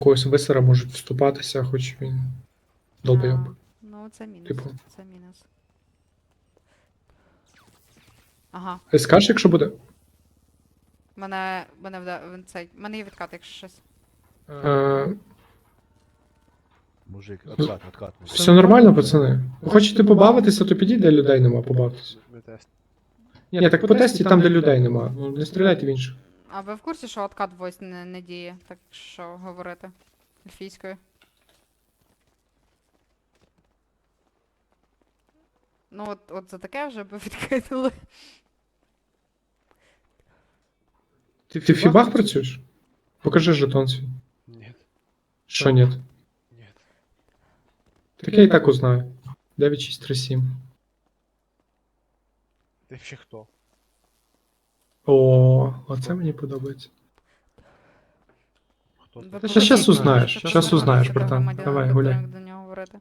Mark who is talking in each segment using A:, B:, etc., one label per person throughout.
A: когось висера можуть вступатися, хоч він долбойоб.
B: Ну, це мінус.
A: Типу.
B: Це мінус. Ага.
A: Скажеш, якщо буде?
B: Мене мене є відкат, якщо щось.
C: Мужик, откат.
A: Все нормально, пацани. Ви хочете побавитися, то підіть, де людей нема, побавтеся. Ні, так по тесті там, де людей нема. Ну, не стріляйте в інших.
B: А ви в курсі, що откат войс не діє, так що говорити ельфійською? Ну от за таке вже би відкинули.
A: Ти в фібах працюєш? Покажи жетон свій.
C: Нет,
A: Що ні?
C: нет.
A: Так я і так узнаю. 9637.
C: Ты вообще кто?
A: О, оце мені подобається.
C: Кто
B: Ви
C: ты?
A: Та
B: покажіть,
A: щас
B: що
A: узнаєш,
B: це
A: щас
B: нормально,
A: узнаєш,
B: це
A: братан.
B: громадянин,
A: Давай,
B: ви
A: гуляй.
B: будемо до нього говорити.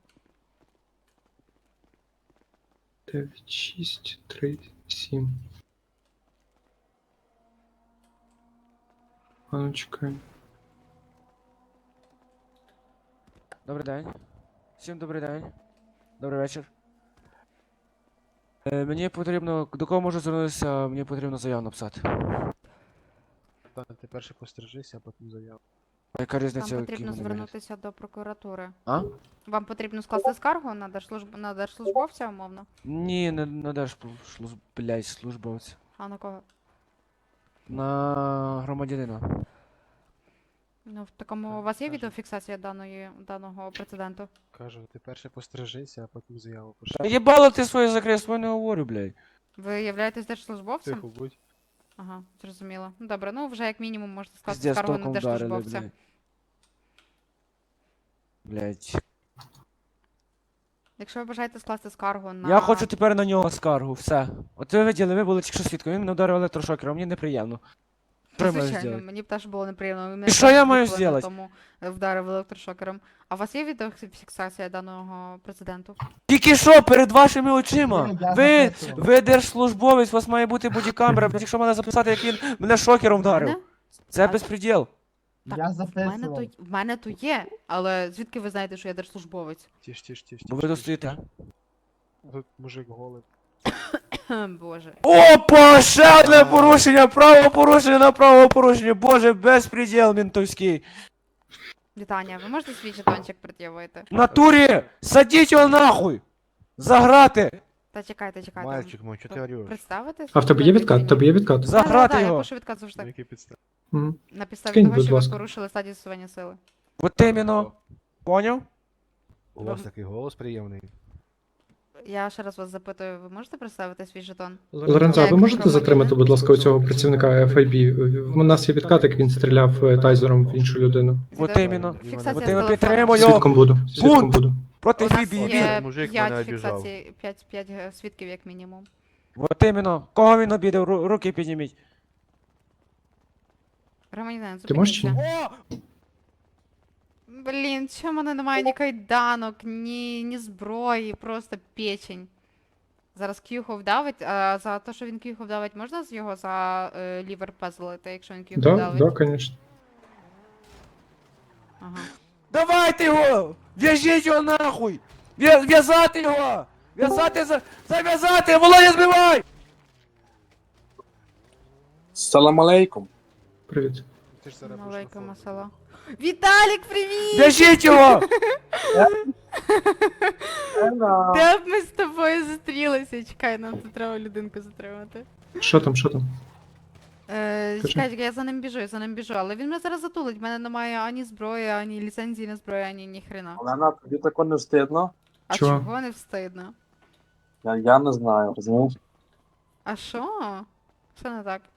A: 9637. А ну чекай.
D: Добрий день. Всім добрий день. Добрий вечір. Мені потрібно. До кого можу звернутися? Мені потрібно заяву написати.
C: Та, ти перше постережися, а потім заяву.
D: А яка різниця?
B: Вам
D: який
B: потрібно
D: в мене вигляд?
B: звернутися до прокуратури.
D: А?
B: Вам потрібно скласти скаргу на держслужбовця, умовно.
D: Ні, не на блядь, службовця.
B: А на кого?
D: На громадянина.
B: Ну, в такому у вас є відеофіксація даного прецеденту?
C: Кажу, ти перше постережися, а потім заяву
D: Та
C: пиши.
D: їбало ти своє закрив, своє не говорю, блядь.
B: Ви являєтесь держслужбовцем?
C: Тихо будь.
B: Ага, зрозуміло. Ну добре, ну вже як мінімум можете скласти
D: Піздець,
B: скаргу на
D: током вдарили,
B: держслужбовця.
D: блядь. Блядь.
B: Якщо ви бажаєте скласти скаргу на...
D: Я хочу тепер на нього скаргу, все. От ви виділи, ви були тільки що свідком, він мене ударив електрошокером, мені неприємно. Що я маю
B: Звичайно,
D: зробити?
B: мені б теж було неприємно. Ви мене
D: І що
B: теж
D: я маю
B: відхилили,
D: зробити?
B: Тому вдарив електрошокером. А у вас є відеофіксація даного прецеденту?
D: Тільки що, перед вашими очима?
E: Ні, я
D: Ви,
E: записував.
D: ви держслужбовець, у вас має бути бодікамера, блядь, якщо мене записати, як він мене шокером вдарив.
B: Мене?
D: Це
B: А-
D: безпреділ.
B: Так,
E: Я
B: в
E: записував.
B: мене то є, але звідки ви знаєте, що я держслужбовець?
C: Тиш.
D: Бо ви тут стоїте.
C: Тут мужик голий.
B: Боже.
D: Опа, ще одне порушення, правопорушення на правопорушення, боже, безпреділ ментовський.
B: Вітання, ви можете свій жетончик пред'явити?
D: В натурі, садіть його нахуй! Заграти!
B: Та чекайте.
C: Мальчик мой, чого ти орешь?
B: Представитись?
A: А в тебе є відкат? В тебе є відкат?
D: Заграти
B: Я
D: його!
B: пишу відказ
C: На
B: завжди.
C: якій підставі?
A: Мгм.
B: На підставі
A: Скинь,
B: того,
A: будь
B: що ви
A: ласка.
B: порушили стадію застосування сили.
D: От іменно. Поняв?
C: У вас такий голос приємний.
B: Я ще раз вас запитую, ви можете представити свій жетон?
A: Лоренцо, а ви можете затримати, будь ласка, цього працівника FIB? У нас є відкат, як він стріляв тайзером в іншу людину.
D: От іменно.
B: Фіксація
D: От
B: з
D: іменно
B: телефону.
D: підтримую.
A: Свідком буду. Свідком буду.
D: Проти
B: У нас
D: Фібі,
B: є
C: Мужик
B: 5
C: мене обіжав.
B: фіксацій, 5 свідків як мінімум.
D: От іменно. Кого він обідав? Руки підніміть.
B: Громадянин,
A: Ти можеш чи ні?
B: зупиніться.
D: О!
B: Блін, чому в мене немає ні кайданок, ні зброї, просто печень. Зараз к'юху вдавить, а за те, що він к'юху вдавить, можна з його за лівер пазлити, якщо він к'юху
A: Да,
B: вдавить?
A: да, конечно.
B: Ага.
D: Давайте його! В'яжіть його нахуй! В'язати його! Зав'язати! Володя, збивай!
F: Салам алейкум.
A: Привіт.
C: Ти ж зараз будеш на
B: Малейка
C: форумі.
B: масала. Віталік, привіт!
D: В'яжіть його!
B: Де б ми з тобою зустрілися? Чекай, нам тут треба людинку затримати.
A: Що там, що там?
B: Чекай, я за ним біжу, але він мене зараз затулить. В мене немає ані зброї, ані ліцензії на зброю, ані ніхрена.
F: Олена, тобі тако не встидно?
B: А
A: Чого?
B: чого не встидно?
F: Я не знаю, розумієш?
B: А що? Що не так?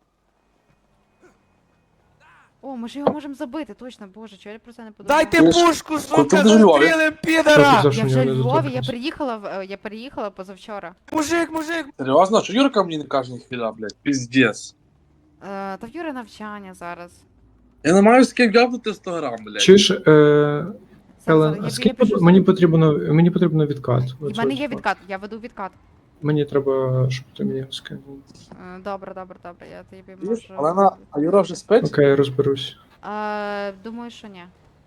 B: О, ми ж його можемо забити, точно, боже, чого я про це не подумала?
D: Дайте
F: Ти ж-
D: пушку,
F: Ти
D: сука,
F: ж у Львові?
D: застрілим
A: Хто
D: підара!
A: сказав, що
B: Я
A: в
B: вже
A: нього
B: в
A: не
B: Львові,
A: доторкнувся?
B: я переїхала позавчора.
D: Мужик!
F: Серйозно? Що Юрка мені не каже ніхіля, блядь? Піздец.
B: Та в Юри навчання зараз.
F: Я не маю з ким гавнути 100 грам, блядь.
A: Чуєш,
B: Зараз,
A: Елен,
B: я
A: а скільки
B: пишу
A: мені потрібно відкат.
B: в мене є відкат, я веду відкат.
A: Мені треба, щоб ти мені скинув.
B: Добре, я тобі
F: Чуєш,
B: можу...
F: Олена, а Юра вже спить?
A: Окей, я розберусь.
B: Думаю, що ні.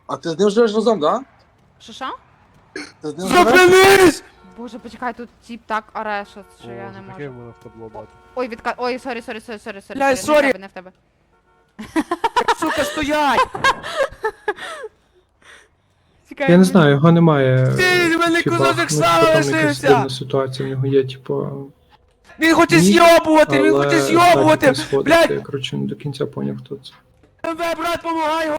F: А ти з ним живеш разом, да?
B: Що?
F: Ти з ним живеш?
D: Зупинись!
B: Боже, почекай, тут тіп так оре, що я не
C: таке
B: можу.
C: було в табло бати.
B: Ой, Ой, сорі.
D: Бля,
B: Не
D: сорі.
B: в тебе, не в тебе.
D: Сука, стоять!
B: Чекай,
A: Я не
B: ми-
A: знаю, його немає.
D: Ти, в мене
A: хіба,
D: кусочок
A: ну,
D: сала
A: типу, там якась
D: лишився!
A: дивна ситуація, в нього є, типу.
D: Він хоче
A: Ні,
D: з'йобувати, він
A: але
D: хоче
A: задній
D: з'йобувати!
A: не сходить,
D: Блядь!
A: Я, коротше, не до кінця поняв, хто це.
D: МВ, брат, помагай!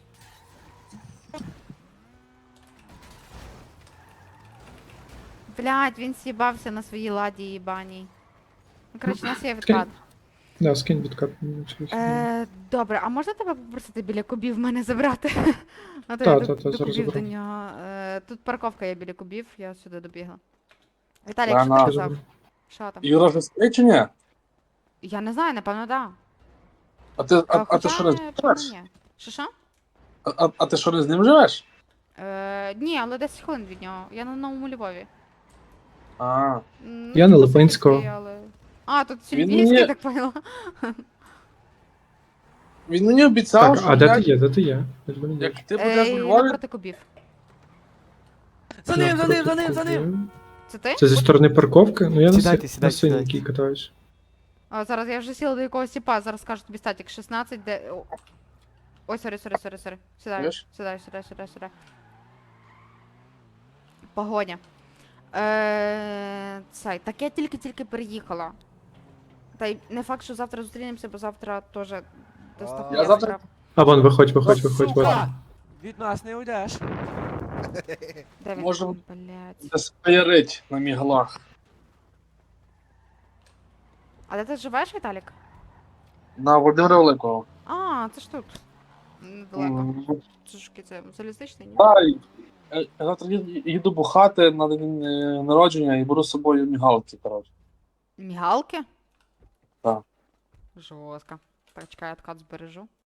B: Блядь, він с'їбався на своїй ладі їбаній. Ну, коротше, у нас є відкат.
A: Да, скинь відкат.
B: Добре, а можна тебе попросити біля кубів мене забрати? А то
A: Та,
B: я
A: та,
B: до
A: та, зараз
B: кубів до
A: заберу.
B: нього. Тут парковка є біля кубів, я сюди добігла. Віталій,
F: Та
B: що ти
F: на.
B: казав? Що там?
F: Юра вже спить чи ні?
B: Я не знаю, напевно, да.
F: А ти
B: Хоча,
F: що не
B: напевно,
F: живеш?
B: ні. Що?
F: А ти що не з ним живеш?
B: Ні, але 10 хвилин від нього. Я на Новому Львові.
F: А,
B: Ну,
A: Я на
B: типу,
A: Липинського.
B: Сибірський, але... А, тут
F: Він
B: Сільвійський,
F: мені-
B: так поняла.
F: він мені обіцяв,
A: Так,
F: що
A: а де
F: як,
A: ти є? Де ти є? Я тебе не бачу.
F: як ти будеш у Львові,
B: Напроти кубів.
D: За ним, за ним, за
A: Навпроти
D: ним, за ним!
A: кубів.
B: Це ти?
A: Це зі сторони парковки? Ну я
D: Сідайте,
A: на
D: сідайте,
A: синенькій
D: сідайте.
A: катаюсь.
B: О, зараз я вже сіла до якогось тіпа, зараз скажу тобі статік 16, де... Ой, сорі. Сідаю,
F: Знаєш?
B: сідаю. Погоня. Цей, так я тільки переїхала. Та й не факт, що завтра зустрінемося, бо завтра теж доставка.
F: Я завтра-
A: А вон, виходь, виходь.
D: Сука! Від нас не уйдеш.
B: Де він?
F: Може,
B: Блядь.
F: десь поярить на міглах.
B: А де ти живеш, Віталік?
F: На Володимира Великого.
B: А, це ж тут. Недалеко.
F: Мгм.
B: Це ж це залізничний, ні?
F: Та, я завтра їду бухати на день народження і беру з собою мігалки, коротше.
B: Мігалки?
F: Так.
B: Жорстко. Так, чекай, я откат збережу.